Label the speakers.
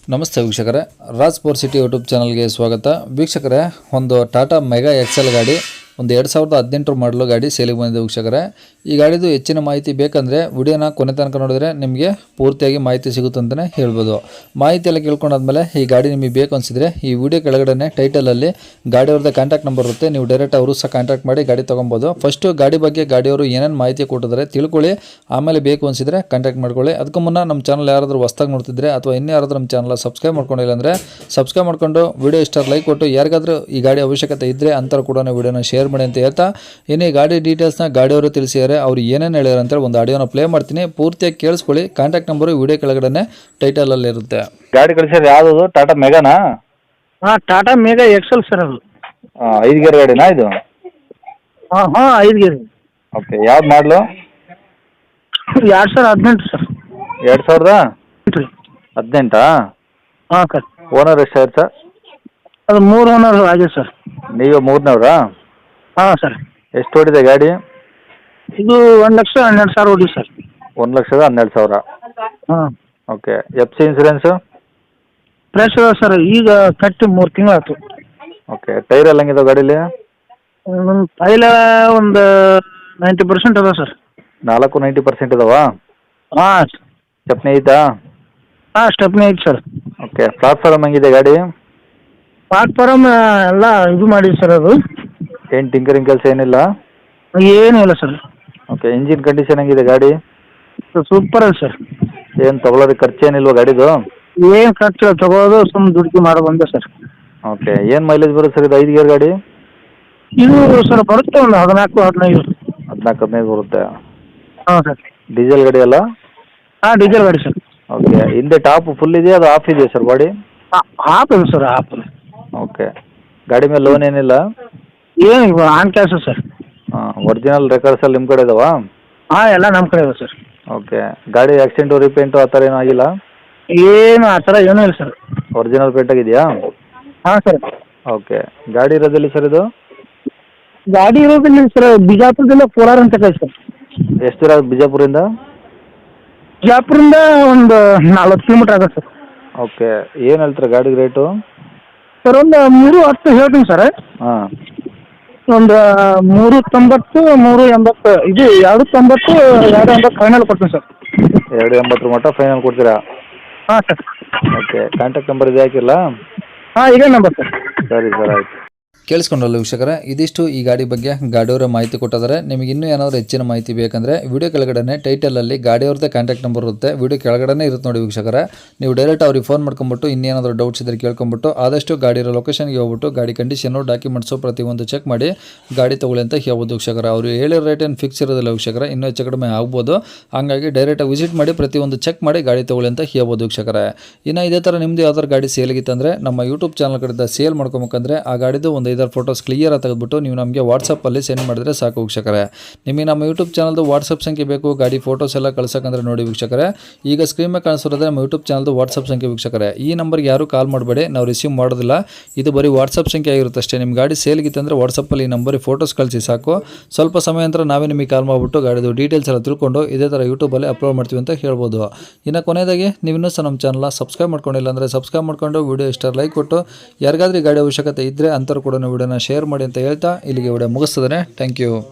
Speaker 1: ನಮಸ್ತೆ ವೀಕ್ಷಕರೇ, Raj power city YouTube ಚಾನಲ್ಗೆ ಸ್ವಾಗತ. ವೀಕ್ಷಕರೇ, ಒಂದು ಟಾಟಾ ಮೆಗಾ ಎಕ್ಸೆಲ್ ಗಾಡಿ, ಒಂದು 2018 ಮಾಡಲು ಗಾಡಿ ಸೇಲಿಗೆ ಬಂದಿದೆ ವೀಕ್ಷಕರೇ. ಈ ಗಾಡಿದು ಹೆಚ್ಚಿನ ಮಾಹಿತಿ ಬೇಕಂದರೆ ವಿಡಿಯೋನ ಕೊನೆ ತನಕ ನೋಡಿದ್ರೆ ನಿಮಗೆ ಪೂರ್ತಿಯಾಗಿ ಮಾಹಿತಿ ಸಿಗುತ್ತೆ ಅಂತಲೇ ಹೇಳ್ಬೋದು. ಮಾಹಿತಿ ಎಲ್ಲ ಕೇಳ್ಕೊಂಡಾದ್ಮೇಲೆ ಈ ಗಾಡಿ ನಿಮಗೆ ಬೇಕು ಅನಿಸಿದರೆ ಈ ವಿಡಿಯೋ ಕೆಳಗಡೆ ಟೈಟಲಲ್ಲಿ ಗಾಡಿಯವ್ರದ್ದು ಕಾಂಟ್ಯಾಕ್ಟ್ ನಂಬರ್ ಇರುತ್ತೆ. ನೀವು ಡೈರೆಕ್ಟ್ ಅವರು ಸಹ ಕಾಂಟ್ಯಾಕ್ಟ್ ಮಾಡಿ ಗಾಡಿ ತೊಗೊಬೋದು. ಫಸ್ಟು ಗಾಡಿ ಬಗ್ಗೆ ಗಾಡಿಯವರು ಏನೇನು ಮಾಹಿತಿ ಕೊಟ್ಟಿದ್ದಾರೆ ತಿಳ್ಕೊಳ್ಳಿ, ಆಮೇಲೆ ಬೇಕು ಅನಿಸಿದರೆ ಕಾಂಟ್ಯಾಕ್ಟ್ ಮಾಡ್ಕೊಳ್ಳಿ. ಅದಕ್ಕೂ ಮುನ್ನ ನಮ್ಮ ಚಾನಲ್ ಯಾರಾದರೂ ಹೊಸ್ದಾಗಿ ನೋಡ್ತಿದ್ರೆ ಅಥವಾ ಇನ್ನೂ ಯಾರಾದರೂ ನಮ್ಮ ಚಾನಲ್ ಸಬ್ಸ್ಕ್ರೈಬ್ ಮಾಡ್ಕೊಂಡಿಲ್ಲ ಅಂದರೆ ಸಬ್ಸ್ಕ್ರೈಬ್ ಮಾಡ್ಕೊಂಡು ವಿಡಿಯೋ ಇಷ್ಟ ಲೈಕ್ ಕೊಟ್ಟು ಯಾರಿಗಾದರೂ ಈ ಗಾಡಿ ಅವಶ್ಯಕತೆ ಇದ್ದರೆ ಅಂಥವ್ರು ಕೂಡ ವಿಡಿಯೋನ ಶೇರ್ ಮಾಡಿ ಅಂತ ಹೇಳ್ತಾ, ಇನ್ನು ಈ ಗಾಡಿ ಡೀಟೇಲ್ಸ್ನ ಗಾಡಿಯವರು ತಿಳಿಸಿದ್ದಾರೆ. ಅವ್ರು ಏನೇನು ಹೇಳ್ಯಾರ ಅಂತೇಳಿ ಒಂದು ಆಡಿಯೋನ ಪ್ಲೇ ಮಾಡ್ತೀನಿ, ಪೂರ್ತಿಯಾಗಿ ಕೇಳಿಸ್ಕೊಳ್ಳಿ. ಕಾಂಟ್ಯಾಕ್ಟ್ ನಂಬರು ವಿಡಿಯೋ ಕೆಳಗಡೆ ಟೈಟಲಲ್ಲಿ ಇರುತ್ತೆ.
Speaker 2: ಗಾಡಿ ಕಳಿಸಿದ್ರೆ ಯಾವುದು ಟಾಟಾ ಮೆಗಾನಾ?
Speaker 3: ಹಾಂ, ಟಾಟಾ ಮೆಗಾ ಎಕ್ಸೆಲ್ ಸರ್ ಅದು.
Speaker 2: 5 ಗೇರ್ ಗಾಡಿನಾ ಇದು?
Speaker 3: ಹಾಂ 5 ಗೇರ್.
Speaker 2: ಓಕೆ, ಯಾವ್ದು ಮಾಡಲು?
Speaker 3: 2018 ಸರ್.
Speaker 2: 2018?
Speaker 3: ಹಾಂ ಸರ್.
Speaker 2: ಓನರ್ ಎಷ್ಟಾಯ್ತು ಸರ್?
Speaker 3: ಅದು 3 ಓನರ್ ಆಗಿದೆ ಸರ್.
Speaker 2: ನೀವು 3ನವರಾ?
Speaker 3: ಹಾಂ ಸರ್.
Speaker 2: ಎಷ್ಟು ಓಡಿದೆ ಗಾಡಿ?
Speaker 3: ಇದು 1,12,000 ಓಡಿ ಸರ್.
Speaker 2: 1,12,000.
Speaker 3: ಹಾಂ.
Speaker 2: Okay, F C insurance?
Speaker 3: Fresh ಅದ ಸರ್, ಈಗ ಕಟ್ಟಿ 3 ತಿಂಗಳು ಆಯ್ತು.
Speaker 2: ಓಕೆ, ಟೈರ್ ಎಲ್ಲ ಹೆಂಗಿದೆ ಗಾಡೀಲಿ?
Speaker 3: ಪೈಲ ಒಂದು 90% ಅದ ಸರ್.
Speaker 2: 90% ಇದಾವಾ?
Speaker 3: ಹಾಂ.
Speaker 2: ಚಪ್ನಿ ಐತಾ?
Speaker 3: ಹಾಂ, ಸ್ಟೆಪ್ನಿ ಐತೆ ಸರ್.
Speaker 2: ಓಕೆ, ಪ್ಲಾಟ್ಫಾರಮ್ ಹೆಂಗಿದೆ ಗಾಡಿ?
Speaker 3: ಪ್ಲಾಟ್ಫಾರಮ್ ಎಲ್ಲ ಇದು ಮಾಡಿದೆ ಸರ್. ಅದು
Speaker 2: ಏನು ಟಿಂಕರಿಂಗ್ ಕೆಲಸ ಏನಿಲ್ಲ?
Speaker 3: ಏನೂ ಇಲ್ಲ ಸರ್.
Speaker 2: ಓಕೆ, ಇಂಜಿನ್ ಕಂಡೀಷನ್ ಹೆಂಗಿದೆ ಗಾಡಿ?
Speaker 3: ಸೂಪರ್ ಅದ ಸರ್.
Speaker 2: ಏನು ತೊಗೊಳೋದಕ್ಕೆ ಖರ್ಚು ಏನಿಲ್ವಾ ಗಾಡಿದು?
Speaker 3: ಏನು ಖರ್ಚು ತಗೋದು ಸುಮ್ಮನೆ ದುಡ್ಡು ಮಾಡೋ ಬಂದೆ ಸರ್.
Speaker 2: ಓಕೆ, ಏನು ಮೈಲೇಜ್ ಬರುತ್ತೆ ಸರ್ ಇದು 5 ಗೇರ್ ಗಾಡಿ?
Speaker 3: ಇದು ಸರ್ ಬರುತ್ತೆ ಒಂದು 14-15.
Speaker 2: 14-15 ಬರುತ್ತೆ.
Speaker 3: ಹಾಂ ಸರ್.
Speaker 2: ಡೀಸೆಲ್ ಗಾಡಿ ಅಲ್ಲ?
Speaker 3: ಹಾಂ, ಡೀಸೆಲ್ ಗಾಡಿ ಸರ್.
Speaker 2: ಓಕೆ, ಹಿಂದೆ ಟಾಪ್ ಫುಲ್ ಇದೆಯಾ ಅದು ಆಫ್ ಇದೆಯಾ ಸರ್ ಬಾಡಿ?
Speaker 3: ಹಾಫ್ ಇದೆ ಸರ್, ಹಾಫ್.
Speaker 2: ಓಕೆ, ಗಾಡಿ ಮೇಲೆ ಲೋನ್ ಏನಿಲ್ಲ?
Speaker 3: ಏನು ಆನ್ ಕ್ಯಾಶ್ ಸರ್.
Speaker 2: ಹಾಂ, ಒರಿಜಿನಲ್ ರೆಕಾರ್ಡ್ಸ್ ಎಲ್ಲ ನಿಮ್ಮ ಕಡೆ ಇದಾವಾ?
Speaker 3: ಹಾಂ, ಎಲ್ಲ ನಮ್ಮ ಕಡೆ ಇದೆ ಸರ್.
Speaker 2: ಓಕೆ, ಗಾಡಿ ಆಕ್ಸಿಡೆಂಟು ರಿಪೇಂಟು ಆ ಥರ ಏನೂ ಆಗಿಲ್ಲ?
Speaker 3: ಏನು ಆ ಥರ ಏನೂ ಇಲ್ಲ ಸರ್.
Speaker 2: ಒರಿಜಿನಲ್ ಪೇಂಟ್ ಆಗಿದೆಯಾ?
Speaker 3: ಹಾಂ ಸರ್.
Speaker 2: ಓಕೆ, ಗಾಡಿ ಇರೋದಿಲ್ಲ ಸರ್ ಇದು?
Speaker 3: ಗಾಡಿ ಇರೋದಿಲ್ಲ ಸರ್, ಬಿಜಾಪುರದಿಂದ ಕೋಲಾರ ಅಂತ ಕೈ ಸರ್.
Speaker 2: ಎಷ್ಟು ದೂರ ಆಗುತ್ತೆ ಬಿಜಾಪುರಿಂದ?
Speaker 3: ಬಿಜಾಪುರದಿಂದ ಒಂದು 40 ಕಿಲೋಮೀಟ್ರ್ ಆಗುತ್ತೆ ಸರ್.
Speaker 2: ಓಕೆ, ಏನು ಹೇಳ್ತಾರೆ ಗಾಡಿಗೆ ರೇಟು?
Speaker 3: ಸರ್ ಒಂದು 310 ಹೇಳ್ತೀನಿ ಸರ್.
Speaker 2: ಹಾಂ,
Speaker 3: ಒಂದು 390, 380, ಇದು 290, 280 ಫೈನಲ್ ಕೊಡ್ತೀನಿ ಸರ್.
Speaker 2: 280 ಮಟ್ಟ ಫೈನಲ್ ಕೊಡ್ತೀರಾ?
Speaker 3: ಹಾಂ ಸರ್.
Speaker 2: ಓಕೆ, ಕಾಂಟ್ಯಾಕ್ಟ್ ನಂಬರ್ ಇದೆ ಹಾಕಿಲ್ಲ?
Speaker 3: ಹಾಂ, ಇದೇ ನಂಬರ್ ಸರ್.
Speaker 2: ಸರಿ ಸರ್, ಆಯಿತು.
Speaker 1: ಕೇಳಿಸ್ಕೊಂಡ್ರಲ್ಲ ವೀಕ್ಷಕರೇ, ಇದಿಷ್ಟು ಈ ಗಾಡಿ ಬಗ್ಗೆ ಗಾಡಿಯವರ ಮಾಹಿತಿ ಕೊಟ್ಟಿದ್ದಾರೆ. ನಿಮಗೆ ಇನ್ನೂ ಏನಾದರೂ ಹೆಚ್ಚಿನ ಮಾಹಿತಿ ಬೇಕಂದರೆ ವಿಡಿಯೋ ಕೆಳಗಡೆ ಟೈಟಲಲ್ಲಿ ಗಾಡಿಯವ್ರದ್ದೇ ಕಾಂಟ್ಯಾಕ್ಟ್ ನಂಬರ್ ಇರುತ್ತೆ. ವಿಡಿಯೋ ಕೆಳಗಡೆ ಇರುತ್ತೆ ನೋಡಿ ವೀಕ್ಷಕರೇ. ನೀವು ಡೈರೆಕ್ಟ್ ಅವ್ರಿಗೆ ಫೋನ್ ಮಾಡ್ಕೊಂಬಿಟ್ಟು ಇನ್ನೇನಾದರೂ ಡೌಟ್ಸ್ ಇದ್ದರೆ ಕೇಳ್ಕೊಂಬಿಟ್ಟು ಆದಷ್ಟು ಗಾಡಿಯ ಲೊಕೇಶನ್ಗೆ ಹೋಗ್ಬಿಟ್ಟು ಗಾಡಿ ಕಂಡೀಷನು ಡಾಕ್ಯುಮೆಂಟ್ಸು ಪ್ರತಿಯೊಂದು ಚೆಕ್ ಮಾಡಿ ಗಾಡಿ ತೊಗೊಳ್ಳಿ ಅಂತ ಹೇಳ್ಬೋದು ವೀಕ್ಷಕರೇ. ಅವರು ಹೇಳಿರೋ ರೇಟ್ ಏನು ಫಿಕ್ಸ್ ಇರೋದಿಲ್ಲ ವೀಕ್ಷಕರೇ, ಇನ್ನೂ ಹೆಚ್ಚು ಕಡಿಮೆ ಆಗ್ಬೋದು. ಹಾಗಾಗಿ ಡೈರೆಕ್ಟಾಗಿ ವಿಸಿಟ್ ಮಾಡಿ ಪ್ರತಿಯೊಂದು ಚೆಕ್ ಮಾಡಿ ಗಾಡಿ ತೊಗೊಳ್ಳಿ ಅಂತ ಹೇಳ್ಬೋದು ವೀಕ್ಷಕರೇ. ಇನ್ನು ಇದೇ ಥರ ನಿಮ್ಮದು ಯಾವ್ದಾದ್ರು ಗಾಡಿ ಸೇಲಿಗಿತ್ತಂದರೆ ನಮ್ಮ ಯೂಟ್ಯೂಬ್ ಚಾನಲ್ ಕಡೆಯಿಂದ ಸೇಲ್ ಮಾಡ್ಕೊಬೇಕಂದ್ರೆ ಆ ಗಾಡಿದು ಒಂದು 5 ಫೋಟೋಸ್ ಕ್ಲಿಯರ್ ತೆಗೆದುಬಿಟ್ಟು ನೀವು ನಮಗೆ ವಾಟ್ಸಪ್ಪಲ್ಲಿ ಸೆಂಡ್ ಮಾಡಿದ್ರೆ ಸಾಕು ವೀಕ್ಷಕರೇ. ನಿಮಗೆ ನಮ್ಮ ಯೂಟ್ಯೂಬ್ ಚಾನಲ್ದು ವಾಟ್ಸಪ್ ಸಂಖ್ಯೆ ಬೇಕು ಗಾಡಿ ಫೋಟೋಸ್ ಎಲ್ಲ ಕಳ್ಸೋಕಂದ್ರೆ ನೋಡಿ ವೀಕ್ಷಕರೇ, ಈಗ ಸ್ಕ್ರೀನ್ ಮೇಲೆ ಕಾಣಿಸೋದ್ರೆ ನಮ್ಮ ಯೂಟ್ಯೂಬ್ ಚಾನಲ್ದು ವಾಟ್ಸಪ್ ಸಂಖ್ಯೆ ವೀಕ್ಷಕರೇ. ಈ ನಂಬರ್ಗೆ ಯಾರು ಕಾಲ್ ಮಾಡಬೇಡಿ, ನಾವು ರಿಸೀವ್ ಮಾಡೋದಿಲ್ಲ. ಇದು ಬರೀ ವಾಟ್ಸಪ್ ಸಂಖ್ಯೆ ಆಗಿರುತ್ತೆ ಅಷ್ಟೇ. ನಿಮ್ಮ ಗಾಡಿ ಸೇಲ್ಗಿತ್ತಂದರೆ ವಾಟ್ಸಪ್ಪಲ್ಲಿ ಈ ನಂಬರಿಗೆ ಫೋಟೋಸ್ ಕಳಿಸಿ ಸಾಕು. ಸ್ವಲ್ಪ ಸಮಯ ನಂತರ ನಾವೇ ನಿಮಗೆ ಕಾಲ್ ಮಾಡಿಬಿಟ್ಟು ಗಾಡಿದು ಡೀಟೇಲ್ಸ್ ಎಲ್ಲ ತಿಳ್ಕೊಂಡು ಇದೇ ಥರ ಯೂಟ್ಯೂಬಲ್ಲಿ ಅಪ್ಲೋಡ್ ಮಾಡ್ತೀವಿ ಅಂತ ಹೇಳ್ಬೋದು. ಇನ್ನು ಕೊನೆಯದಾಗಿ ನೀವು ಇನ್ನೂ ಸಹ ನಮ್ಮ ಚಾನಲ್ನ ಸಬ್ಸ್ಕ್ರೈಬ್ ಮಾಡ್ಕೊಂಡಿಲ್ಲ ಅಂದರೆ ಸಬ್ಸ್ಕ್ರೈಬ್ ಮಾಡ್ಕೊಂಡು ವಿಡಿಯೋ ಇಷ್ಟ ಲೈಕ್ ಕೊಟ್ಟು ಯಾರಿಗಾದ್ರೂ ಗಾಡಿ ಅವಶ್ಯಕತೆ ಇದ್ದರೆ ಅಂಥವ್ರು ಕೂಡ ವಿಡಿಯೋನ ಶೇರ್ ಮಾಡಿ ಅಂತ ಹೇಳ್ತಾ ಇಲ್ಲಿಗೆ ವಿಡಿಯೋ ಮುಗಿಸ್ತದೆ. Thank you.